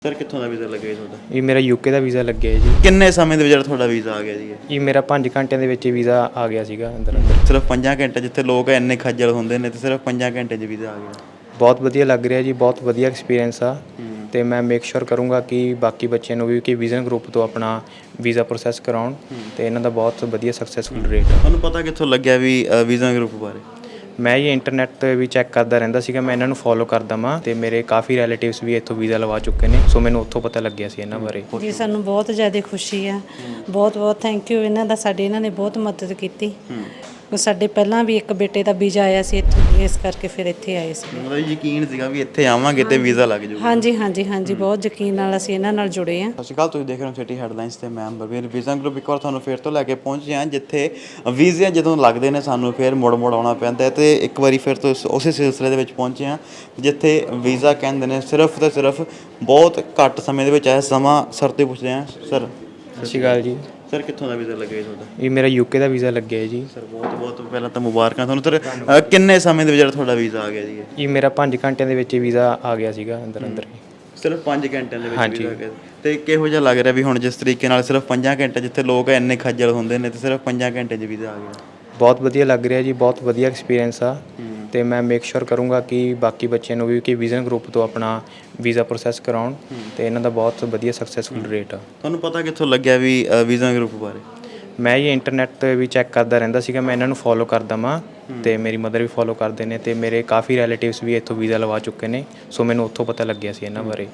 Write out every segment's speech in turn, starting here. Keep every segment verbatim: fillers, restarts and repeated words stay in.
Sir ਕਿੱਥੋਂ ਦਾ visa ਲੱਗਿਆ ਜੀ ਤੁਹਾਡਾ? ਇਹ ਮੇਰਾ ਯੂਕੇ ਦਾ ਵੀਜ਼ਾ ਲੱਗਿਆ ਜੀ। ਕਿੰਨੇ ਸਮੇਂ ਦੇ ਵਿੱਚ ਤੁਹਾਡਾ ਵੀਜ਼ਾ ਆ ਗਿਆ ਜੀ? ਇਹ ਮੇਰਾ ਪੰਜ ਘੰਟਿਆਂ ਦੇ ਵਿੱਚ ਵੀਜ਼ਾ ਆ ਗਿਆ ਸੀਗਾ ਅੰਦਰ ਅੰਦਰ। ਸਿਰਫ ਪੰਜਾਂ ਘੰਟੇ, ਜਿੱਥੇ ਲੋਕ ਇੰਨੇ ਖੱਜਲ ਹੁੰਦੇ ਨੇ, ਤੇ ਸਿਰਫ ਪੰਜਾਂ ਘੰਟੇ 'ਚ ਵੀਜ਼ਾ ਆ ਗਿਆ। ਬਹੁਤ ਵਧੀਆ ਲੱਗ ਰਿਹਾ ਜੀ, ਬਹੁਤ ਵਧੀਆ ਐਕਸਪੀਰੀਅੰਸ ਆ ਤੇ ਮੈਂ ਮੇਕ ਸ਼ੋਰ ਕਰੂੰਗਾ ਕਿ ਬਾਕੀ ਬੱਚਿਆਂ ਨੂੰ ਵੀ ਕਿ ਵਿਜ਼ਨ ਗਰੁੱਪ ਤੋਂ ਆਪਣਾ ਵੀਜ਼ਾ ਪ੍ਰੋਸੈਸ ਕਰਾਉਣ ਤੇ ਇਹਨਾਂ ਦਾ ਬਹੁਤ ਵਧੀਆ ਸਕਸੈਸਫੁਲ ਰੇਟ ਆ। ਤੁਹਾਨੂੰ ਪਤਾ ਕਿੱਥੋਂ ਲੱਗਿਆ ਵੀ ਵੀਜ਼ਾ ਗਰੁੱਪ ਬਾਰੇ? ਮੈਂ ਇਹ ਇੰਟਰਨੈਟ 'ਤੇ ਵੀ ਚੈੱਕ ਕਰਦਾ ਰਹਿੰਦਾ ਸੀਗਾ, ਮੈਂ ਇਹਨਾਂ ਨੂੰ ਫੋਲੋ ਕਰਦਾ ਵਾਂ ਤੇ ਮੇਰੇ ਕਾਫੀ ਰਿਲੇਟਿਵਸ ਵੀ ਇੱਥੋਂ ਵੀਜ਼ਾ ਲਵਾ ਚੁੱਕੇ ਨੇ, ਸੋ ਮੈਨੂੰ ਉੱਥੋਂ ਪਤਾ ਲੱਗਿਆ ਸੀ ਇਹਨਾਂ ਬਾਰੇ। ਜੀ ਸਾਨੂੰ ਬਹੁਤ ਜ਼ਿਆਦਾ ਖੁਸ਼ੀ ਆ, ਬਹੁਤ ਬਹੁਤ ਥੈਂਕ ਯੂ ਇਹਨਾਂ ਦਾ, ਸਾਡੇ ਇਹਨਾਂ ਨੇ ਬਹੁਤ ਮਦਦ ਕੀਤੀ। ਸਾਡੇ ਪਹਿਲਾਂ ਵੀ ਇੱਕ ਬੇਟੇ ਦਾ ਵੀਜ਼ਾ ਆਇਆ ਸੀ ਇੱਥੋਂ, ਇਸ ਕਰਕੇ ਫਿਰ ਇੱਥੇ ਆਏ ਸੀ। ਮਤਲਬ ਯਕੀਨ ਸੀਗਾ ਵੀ ਇੱਥੇ ਆਵਾਂਗੇ ਤੇ ਵੀਜ਼ਾ ਲੱਗ ਜਾਊਗਾ। ਹਾਂਜੀ ਹਾਂਜੀ ਹਾਂਜੀ ਬਹੁਤ ਯਕੀਨ ਨਾਲ ਅਸੀਂ ਇਹਨਾਂ ਨਾਲ ਜੁੜੇ ਹਾਂ। ਸਤਿ ਸ਼੍ਰੀ ਅਕਾਲ, ਤੁਸੀਂ ਦੇਖ ਰਹੇ ਹੋ ਸਿਟੀ ਹੈਡਲਾਈਨਸ ਤੇ ਮੈਂ ਅੰਬਰਵੀਰ। ਵੀਜ਼ਾ ਗਰੁੱਪ ਇੱਕ ਵਾਰ ਤੁਹਾਨੂੰ ਫਿਰ ਤੋਂ ਲੈ ਕੇ ਪਹੁੰਚੇ ਹਾਂ, ਜਿੱਥੇ ਵੀਜ਼ੇ ਜਦੋਂ ਲੱਗਦੇ ਨੇ ਸਾਨੂੰ ਫਿਰ ਮੁੜ ਮੁੜ ਆਉਣਾ ਪੈਂਦਾ ਹੈ, ਤੇ ਇੱਕ ਵਾਰੀ ਫਿਰ ਤੋਂ ਉਸੇ ਸਿਲਸਿਲੇ ਦੇ ਵਿੱਚ ਪਹੁੰਚੇ ਹਾਂ, ਜਿੱਥੇ ਵੀਜ਼ਾ ਕਹਿੰਦੇ ਨੇ ਸਿਰਫ ਤੇ ਸਿਰਫ ਬਹੁਤ ਘੱਟ ਸਮੇਂ ਦੇ ਵਿੱਚ ਆਇਆ। ਸਮਾਂ ਸਰ ਤੋਂ ਪੁੱਛਦੇ ਹਾਂ। ਸਰ ਸਤਿ ਸ਼੍ਰੀ ਅਕਾਲ ਜੀ। ਸਰ ਕਿੱਥੋਂ ਦਾ ਵੀਜ਼ਾ ਲੱਗਿਆ ਜੀ ਤੁਹਾਡਾ? ਇਹ ਮੇਰਾ ਯੂਕੇ ਦਾ ਵੀਜ਼ਾ ਲੱਗਿਆ ਜੀ। ਸਰ ਬਹੁਤ ਬਹੁਤ ਪਹਿਲਾਂ ਤਾਂ ਮੁਬਾਰਕਾਂ ਤੁਹਾਨੂੰ। ਸਰ ਕਿੰਨੇ ਸਮੇਂ ਦੇ ਵਿੱਚ ਤੁਹਾਡਾ ਵੀਜ਼ਾ ਆ ਗਿਆ ਜੀ? ਇਹ ਮੇਰਾ ਪੰਜ ਘੰਟਿਆਂ ਦੇ ਵਿੱਚ ਵੀਜ਼ਾ ਆ ਗਿਆ ਸੀਗਾ ਅੰਦਰ ਅੰਦਰ। ਸਿਰਫ ਪੰਜ ਘੰਟਿਆਂ ਦੇ ਵਿੱਚ ਵੀਜ਼ਾ ਆ ਗਿਆ। ਤੇ ਕਿਹੋ ਜਿਹਾ ਲੱਗ ਰਿਹਾ ਵੀ ਹੁਣ ਜਿਸ ਤਰੀਕੇ ਨਾਲ ਸਿਰਫ ਪੰਜਾਂ ਘੰਟੇ, ਜਿੱਥੇ ਲੋਕ ਇੰਨੇ ਖੱਜਲ ਹੁੰਦੇ ਨੇ, ਤੇ ਸਿਰਫ ਪੰਜਾਂ ਘੰਟੇ 'ਚ ਵੀਜ਼ਾ ਆ ਗਿਆ? ਬਹੁਤ ਵਧੀਆ ਲੱਗ ਰਿਹਾ ਜੀ, ਬਹੁਤ ਵਧੀਆ ਐਕਸਪੀਰੀਅੰਸ ਆ ਤੇ ਮੈਂ ਮੇਕ ਸ਼ੋਰ ਕਰੂੰਗਾ ਕਿ ਬਾਕੀ ਬੱਚਿਆਂ ਨੂੰ ਵੀ ਕਿ ਵਿਜ਼ਨ ਗਰੁੱਪ ਤੋਂ ਆਪਣਾ ਵੀਜ਼ਾ ਪ੍ਰੋਸੈਸ ਕਰਾਉਣ ਤੇ ਇਹਨਾਂ ਦਾ ਬਹੁਤ ਵਧੀਆ ਸਕਸੈਸਫੁਲ ਰੇਟ ਆ। ਤੁਹਾਨੂੰ ਪਤਾ ਕਿੱਥੋਂ ਲੱਗਿਆ ਵੀ ਵੀਜ਼ਾ ਗਰੁੱਪ ਬਾਰੇ? ਮੈਂ ਇਹ ਇੰਟਰਨੈਟ 'ਤੇ ਵੀ ਚੈੱਕ ਕਰਦਾ ਰਹਿੰਦਾ ਸੀਗਾ, ਮੈਂ ਇਹਨਾਂ ਨੂੰ ਫੋਲੋ ਕਰਦਾ ਵਾਂ ਤੇ ਮੇਰੀ ਮਦਰ ਵੀ ਫੋਲੋ ਕਰਦੇ ਨੇ ਤੇ ਮੇਰੇ ਕਾਫੀ ਰਿਲੇਟਿਵਸ ਵੀ ਇੱਥੋਂ ਵੀਜ਼ਾ ਲਵਾ ਚੁੱਕੇ ਨੇ, ਸੋ ਮੈਨੂੰ ਉੱਥੋਂ ਪਤਾ ਲੱਗਿਆ ਸੀ ਇਹਨਾਂ ਬਾਰੇ।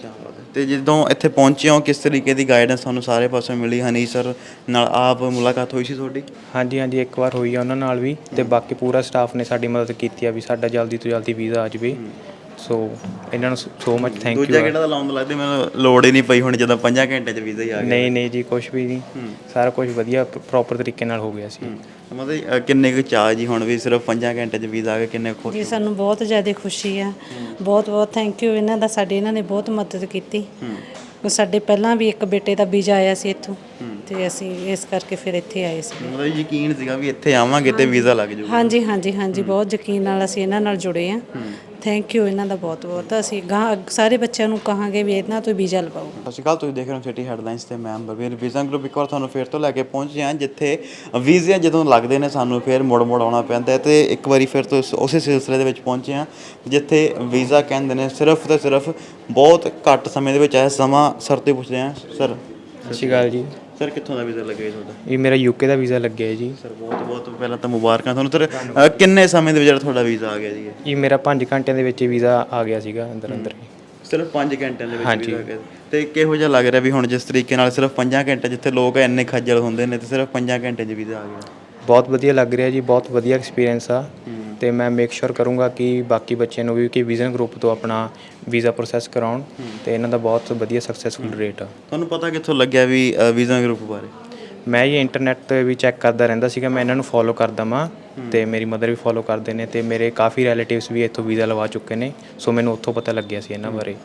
ਤੇ ਜਦੋਂ ਇੱਥੇ ਪਹੁੰਚੇ ਹੋ, ਕਿਸ ਤਰੀਕੇ ਦੀ ਗਾਈਡੈਂਸ ਤੁਹਾਨੂੰ ਸਾਰੇ ਪਾਸੋਂ ਮਿਲੀ? ਹਨੀ ਸਰ ਨਾਲ ਆਪ ਮੁਲਾਕਾਤ ਹੋਈ ਸੀ ਤੁਹਾਡੀ? ਹਾਂਜੀ ਹਾਂਜੀ, ਇੱਕ ਵਾਰ ਹੋਈ ਆ ਉਹਨਾਂ ਨਾਲ ਵੀ, ਤੇ ਬਾਕੀ ਪੂਰਾ ਸਟਾਫ ਨੇ ਸਾਡੀ ਮਦਦ ਕੀਤੀ ਆ ਵੀ ਸਾਡਾ ਜਲਦੀ ਤੋਂ ਜਲਦੀ ਵੀਜ਼ਾ ਆ ਜਾਵੇ, ਸੋ ਇਹਨਾਂ ਨੂੰ ਸੋ ਮਚ ਥੈਂਕ ਯੂ। ਦੂਜਾ ਕਿਹੜਾ ਦਾ ਲਾਉਣ ਲੱਗਦੇ, ਮੈਨੂੰ ਲੋੜ ਹੀ ਨਹੀਂ ਪਈ ਹੁਣ ਜਦੋਂ ਪੰਜਾਂ ਘੰਟੇ 'ਚ ਵੀਜ਼ਾ ਹੀ ਆ ਗਿਆ। ਨਹੀਂ ਨਹੀਂ ਜੀ, ਕੁਛ ਵੀ ਨਹੀਂ, ਸਾਰਾ ਕੁਝ ਵਧੀਆ ਪ੍ਰੋਪਰ ਤਰੀਕੇ ਨਾਲ ਹੋ ਗਿਆ ਸੀ। ਮਤਲਬ ਕਿੰਨੇ ਕੁ ਚਾਅ ਜੀ ਹੁਣ ਵੀ ਸਿਰਫ ਪੰਜਾਂ ਘੰਟੇ 'ਚ ਵੀਜ਼ਾ ਆ ਗਿਆ, ਕਿੰਨੇ ਖੁਸ਼? ਜੀ ਸਾਨੂੰ ਬਹੁਤ ਜ਼ਿਆਦਾ ਖੁਸ਼ੀ ਆ, ਬਹੁਤ ਬਹੁਤ ਥੈਂਕ ਯੂ ਇਹਨਾਂ ਦਾ, ਸਾਡੇ ਇਹਨਾਂ ਨੇ ਬਹੁਤ ਮਦਦ ਕੀਤੀ। ਸਾਡੇ ਪਹਿਲਾਂ ਵੀ ਇੱਕ ਬੇਟੇ ਦਾ ਵੀਜ਼ਾ ਆਇਆ ਸੀ ਇੱਥੋਂ, ਤੇ ਅਸੀਂ ਇਸ ਕਰਕੇ ਫਿਰ ਇੱਥੇ ਆਏ ਸੀ। ਮਤਲਬ ਯਕੀਨ ਸੀਗਾ ਵੀ ਇੱਥੇ ਆਵਾਂਗੇ ਤੇ ਵੀਜ਼ਾ ਲੱਗ ਜਾਊਗਾ। ਹਾਂਜੀ ਹਾਂਜੀ ਹਾਂਜੀ ਬਹੁਤ ਯਕੀਨ ਨਾਲ ਅਸੀਂ ਇਹਨਾਂ ਨਾਲ ਜੁੜੇ ਹਾਂ। ਥੈਂਕ ਯੂ ਇਹਨਾਂ ਦਾ ਬਹੁਤ ਬਹੁਤ। ਅਸੀਂ ਗਾਂ ਸਾਰੇ ਬੱਚਿਆਂ ਨੂੰ ਕਹਾਂਗੇ ਵੀ ਇਹਨਾਂ ਤੋਂ ਵੀਜ਼ਾ ਲਵਾਓ। ਸਤਿ ਸ਼੍ਰੀ ਅਕਾਲ, ਤੁਸੀਂ ਦੇਖ ਰਹੇ ਹੋ ਸਿਟੀ ਹੈਡਲਾਈਨਸ ਤੇ ਮੈਂ ਅੰਬਰਵੀਰ। ਵੀਜ਼ਾ ਗਰੁੱਪ ਇੱਕ ਵਾਰ ਤੁਹਾਨੂੰ ਫਿਰ ਤੋਂ ਲੈ ਕੇ ਪਹੁੰਚੇ ਹਾਂ, ਜਿੱਥੇ ਵੀਜ਼ੇ ਜਦੋਂ ਲੱਗਦੇ ਨੇ ਸਾਨੂੰ ਫਿਰ ਮੁੜ ਮੁੜ ਆਉਣਾ ਪੈਂਦਾ ਹੈ, ਤੇ ਇੱਕ ਵਾਰੀ ਫਿਰ ਤੋਂ ਉਸੇ ਸਿਲਸਿਲੇ ਦੇ ਵਿੱਚ ਪਹੁੰਚੇ ਹਾਂ, ਜਿੱਥੇ ਵੀਜ਼ਾ ਕਹਿੰਦੇ ਨੇ ਸਿਰਫ ਤੇ ਸਿਰਫ ਬਹੁਤ ਘੱਟ ਸਮੇਂ ਦੇ ਵਿੱਚ ਆਇਆ। ਸਮਾਂ ਸਰ ਤੋਂ ਪੁੱਛਦੇ ਹਾਂ। ਸਰ ਸਤਿ ਸ਼੍ਰੀ ਅਕਾਲ ਜੀ। ਸਰ ਕਿੱਥੋਂ ਦਾ ਵੀਜ਼ਾ ਲੱਗਿਆ ਜੀ ਤੁਹਾਡਾ? ਇਹ ਮੇਰਾ ਯੂਕੇ ਦਾ ਵੀਜ਼ਾ ਲੱਗਿਆ ਜੀ। ਸਰ ਬਹੁਤ ਬਹੁਤ ਪਹਿਲਾਂ ਤਾਂ ਮੁਬਾਰਕਾਂ ਤੁਹਾਨੂੰ। ਸਰ ਕਿੰਨੇ ਸਮੇਂ ਦੇ ਵਿੱਚ ਤੁਹਾਡਾ ਵੀਜ਼ਾ ਆ ਗਿਆ ਜੀ? ਇਹ ਮੇਰਾ ਪੰਜ ਘੰਟਿਆਂ ਦੇ ਵਿੱਚ ਵੀਜ਼ਾ ਆ ਗਿਆ ਸੀਗਾ ਅੰਦਰ ਅੰਦਰ। ਸਿਰਫ ਪੰਜ ਘੰਟਿਆਂ ਦੇ ਵਿੱਚ ਵੀਜ਼ਾ ਆ ਗਿਆ। ਤੇ ਕਿਹੋ ਜਿਹਾ ਲੱਗ ਰਿਹਾ ਵੀ ਹੁਣ ਜਿਸ ਤਰੀਕੇ ਨਾਲ ਸਿਰਫ ਪੰਜਾਂ ਘੰਟੇ, ਜਿੱਥੇ ਲੋਕ ਇੰਨੇ ਖੱਜਲ ਹੁੰਦੇ ਨੇ, ਤੇ ਸਿਰਫ ਪੰਜਾਂ ਘੰਟੇ 'ਚ ਵੀਜ਼ਾ ਆ ਗਿਆ? ਬਹੁਤ ਵਧੀਆ ਲੱਗ ਰਿਹਾ ਜੀ, ਬਹੁਤ ਵਧੀਆ ਐਕਸਪੀਰੀਅੰਸ ਆ ਤੇ ਮੈਂ ਮੇਕ ਸ਼ੋਰ ਕਰੂੰਗਾ ਕਿ ਬਾਕੀ ਬੱਚਿਆਂ ਨੂੰ ਵੀ ਕਿ ਵਿਜ਼ਨ ਗਰੁੱਪ ਤੋਂ ਆਪਣਾ ਵੀਜ਼ਾ ਪ੍ਰੋਸੈਸ ਕਰਾਉਣ ਤੇ ਇਹਨਾਂ ਦਾ ਬਹੁਤ ਵਧੀਆ ਸਕਸੈਸਫੁਲ ਰੇਟ ਆ। ਤੁਹਾਨੂੰ ਪਤਾ ਕਿੱਥੋਂ ਲੱਗਿਆ ਵੀ ਵੀਜ਼ਾ ਗਰੁੱਪ ਬਾਰੇ? ਮੈਂ ਇਹ ਇੰਟਰਨੈਟ 'ਤੇ ਵੀ ਚੈੱਕ ਕਰਦਾ ਰਹਿੰਦਾ ਸੀਗਾ, ਮੈਂ ਇਹਨਾਂ ਨੂੰ ਫੋਲੋ ਕਰਦਾ ਵਾਂ ਤੇ ਮੇਰੀ ਮਦਰ ਵੀ ਫੋਲੋ ਕਰਦੇ ਨੇ ਤੇ ਮੇਰੇ ਕਾਫੀ ਰਿਲੇਟਿਵਸ ਵੀ ਇੱਥੋਂ ਵੀਜ਼ਾ ਲਵਾ ਚੁੱਕੇ ਨੇ, ਸੋ ਮੈਨੂੰ ਉੱਥੋਂ ਪਤਾ ਲੱਗਿਆ ਸੀ ਇਹਨਾਂ ਬਾਰੇ।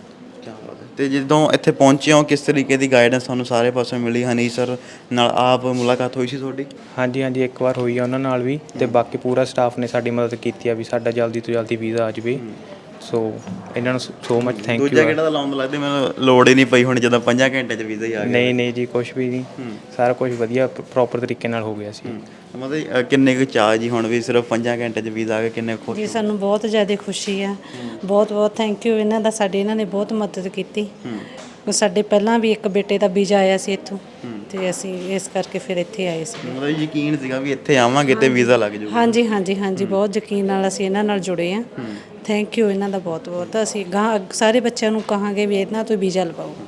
ਤੇ ਜਦੋਂ ਇੱਥੇ ਪਹੁੰਚੇ ਹੋ, ਕਿਸ ਤਰੀਕੇ ਦੀ ਗਾਈਡੈਂਸ ਤੁਹਾਨੂੰ ਸਾਰੇ ਪਾਸੋਂ ਮਿਲੀ? ਹਨੀ ਸਰ ਨਾਲ ਆਪ ਮੁਲਾਕਾਤ ਹੋਈ ਸੀ ਤੁਹਾਡੀ? ਹਾਂਜੀ ਹਾਂਜੀ, ਇੱਕ ਵਾਰ ਹੋਈ ਆ ਉਹਨਾਂ ਨਾਲ ਵੀ, ਤੇ ਬਾਕੀ ਪੂਰਾ ਸਟਾਫ ਨੇ ਸਾਡੀ ਮਦਦ ਕੀਤੀ ਆ ਵੀ ਸਾਡਾ ਜਲਦੀ ਤੋਂ ਜਲਦੀ ਵੀਜ਼ਾ ਆ ਜਾਵੇ, ਸੋ ਇਹਨਾਂ ਨੂੰ ਸੋ ਮਚ ਥੈਂਕ ਯੂ। ਦੂਜਾ ਕਿਹੜਾ ਦਾ ਲਾਉਣ ਲੱਗਦੇ, ਮੈਨੂੰ ਲੋੜ ਹੀ ਨਹੀਂ ਪਈ ਹੁਣ ਜਦੋਂ ਪੰਜਾਂ ਘੰਟੇ 'ਚ ਵੀਜ਼ਾ ਹੀ ਆ ਗਿਆ। ਨਹੀਂ ਨਹੀਂ ਜੀ, ਕੁਛ ਵੀ ਨਹੀਂ, ਸਾਰਾ ਕੁਝ ਵਧੀਆ ਪ੍ਰੋਪਰ ਤਰੀਕੇ ਨਾਲ ਹੋ ਗਿਆ ਸੀ। ਮਤਲਬ ਕਿੰਨੇ ਕੁ ਚਾਅ ਜੀ ਹੁਣ ਵੀ ਸਿਰਫ ਪੰਜਾਂ ਘੰਟੇ 'ਚ ਵੀਜ਼ਾ ਆ ਗਿਆ, ਕਿੰਨੇ ਖੁਸ਼? ਜੀ ਸਾਨੂੰ ਬਹੁਤ ਜ਼ਿਆਦਾ ਖੁਸ਼ੀ ਆ, ਬਹੁਤ ਬਹੁਤ ਥੈਂਕ ਯੂ ਇਹਨਾਂ ਦਾ, ਸਾਡੇ ਇਹਨਾਂ ਨੇ ਬਹੁਤ ਮਦਦ ਕੀਤੀ। ਸਾਡੇ ਪਹਿਲਾਂ ਵੀ ਇੱਕ ਬੇਟੇ ਦਾ ਵੀਜ਼ਾ ਆਇਆ ਸੀ ਇੱਥੋਂ, ਤੇ ਅਸੀਂ ਇਸ ਕਰਕੇ ਫਿਰ ਇੱਥੇ ਆਏ ਸੀ। ਮਤਲਬ ਯਕੀਨ ਸੀਗਾ ਵੀ ਇੱਥੇ ਆਵਾਂਗੇ ਤੇ ਵੀਜ਼ਾ ਲੱਗ ਜਾਊਗਾ। ਹਾਂਜੀ ਹਾਂਜੀ ਹਾਂਜੀ ਬਹੁਤ ਯਕੀਨ ਨਾਲ ਅਸੀਂ ਇਹਨਾਂ ਨਾਲ ਜੁੜੇ ਹਾਂ। ਥੈਂਕ ਯੂ ਇਹਨਾਂ ਦਾ ਬਹੁਤ ਬਹੁਤ। ਅਸੀਂ ਗਾਂ ਸਾਰੇ ਬੱਚਿਆਂ ਨੂੰ ਕਹਾਂਗੇ ਵੀ ਇਹਨਾਂ ਤੋਂ ਵੀਜ਼ਾ ਲਵਾਓ।